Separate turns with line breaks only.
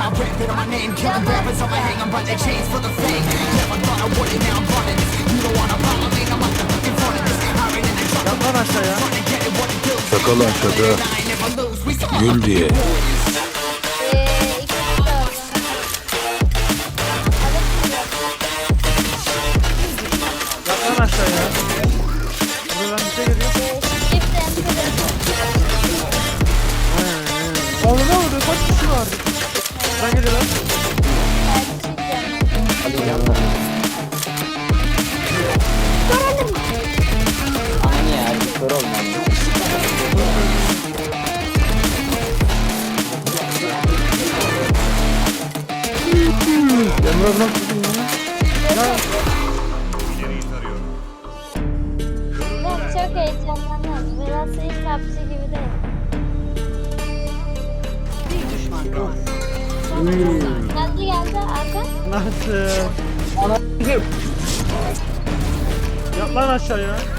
Yat lan aşağıya.
Şaka lan şaka. Gül diye.
İkisi de oldu.
Yat lan aşağıya. Buradan bir şey geliyor.
Shift enter.
Oğlum ne oldu? Kaç kişi var? Buradan geliyorlar.
Aynı ya, bir kör olmam.
Emre nasıl tuttun ya?
Ben çok heyecanlandım. Biraz hiç hapsi gibi değil. Geldi Arka.
Nasıl? Yat lan aşağıya.